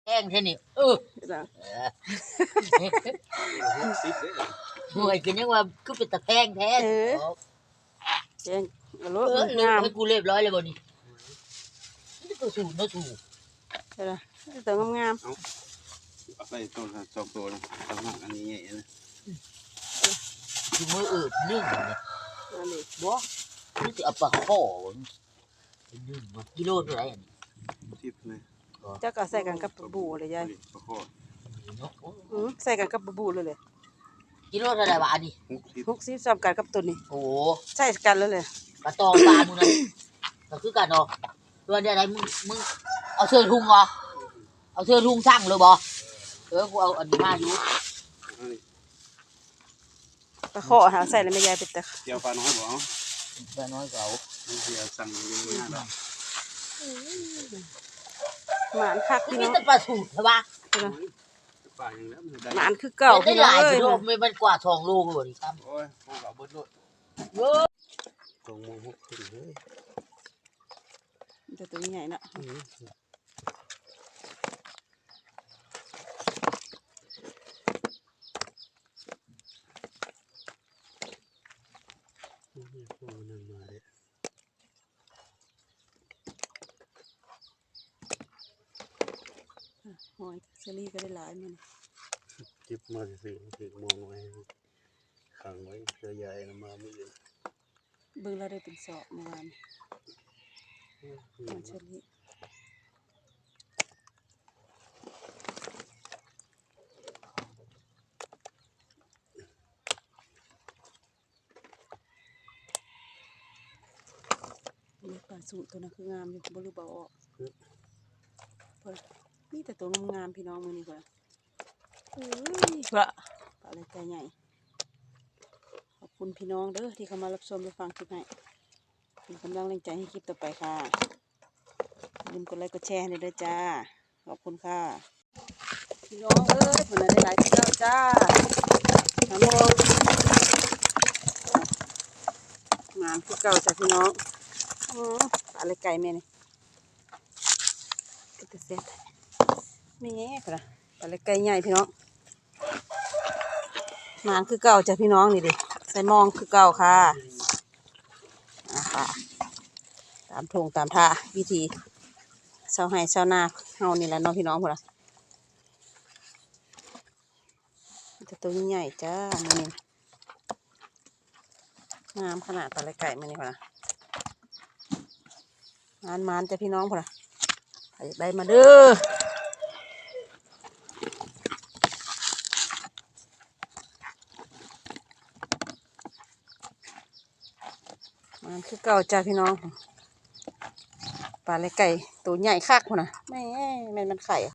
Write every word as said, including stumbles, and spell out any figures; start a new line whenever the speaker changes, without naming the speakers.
แห้งแค่นี้เออหน่วยกินยังว่าคือเป็นตะแพงแท้เออแพงเอารถมันงามให้กูเรียบร้อยเลยบ่นี่นี่ตัวสูงตัวสูงเออตัวงาม
เอาไปตัวสองตัวนะสองอันนี้ใหญ่นะ
คือมืออืดนึ่งเนี่ยอันนี้บ่นี่จะเอาปลาข้อนึ่งมากิโลเท่าไหร่อันนี้
สิบเลย
เจ้าก็ใส่กันกับบูเลยยายอือใส่กันกับบูเลยเลย
กิโลเท่าไหร่บาทนี่
หกสิบสามกันกับตัวนี้
โอ้
ใส่กันแล้วเลย
กระตองปลามึงนั่นก็คือกันเนาะตัวเดียวไหนมึงมึงเอาเสื้อทุ่งเหรอเอาเสื้อทุ่งช่างเลยบ่เออกูเอาอันนี้มาอยู่
ตะขอหาใส่แล้วไม่ยายเป็นตะ
เดี๋ยวปลาน้อยบ่
ปลาน้อยเก่า
เดี๋ยวสั่งเยอะมาก
หมานคักพี่น้อง
นี่ปลาสูตรใช่ปะ
หมานคือเก่า
พี่น้องเลยไม่มันกว่าทองลูกเลยครับ
โอ้ยพวกเราเบิดด้วย
เยอะ
ตรงมือหกขึ้นเลย
จะตัวใหญ่นะหอยเชอรี่ก็ได้หลายมัน
จิบมาสิสิมองไว้ขังไว้เสือใหญ่มาไม่เยอะ
เบิ่งเราได้เป็นสอบเมื่อวานหอยเชอรี่มีปลาสูตรตัวนั้นคืองามอยู่บรูเบาออกนี่แต่ตัวงามๆพี่น้องมือนี่กว่าเฮ้ยปลาปลาอะไรใจใหญ่ขอบคุณพี่น้องเด้อที่เข้ามารับชมรับฟังคลิปให้เป็นกำลังแรงใจให้คลิปต่อไปค่ะอย่าลืมกดไลค์กดแชร์ให้ด้วยจ้าขอบคุณค่ะพี่น้องเอ้ยผลได้หลายที่แล้วจ้าน้ำมองงานคือเก่าจ้ะพี่น้องอ๋อปลาอะไรไก่แม่นี่ก็จะเสร็จไม่แง่ค่ะปลาเล็กไก่ใหญ่พี่น้องงานคือเก่าจ้ะพี่น้องนี่ดิใส่มองคือเก่าค่ะอ่าตามทงตามท่าวิธีเช้าให้เช้าหน้าเฮานี่แหละน้องพี่น้องพวกเราจะตัวใหญ่จ้านี่งามขนาดปลาเล็กไก่มันนี่พวกเรางานมันจ้ะพี่น้องพวกเราได้มาเด้อมันคือเก่าจ้าพี่น้องปลาไหลไก่ตัวใหญ่คักคนน่ะแม่แม่มันไข่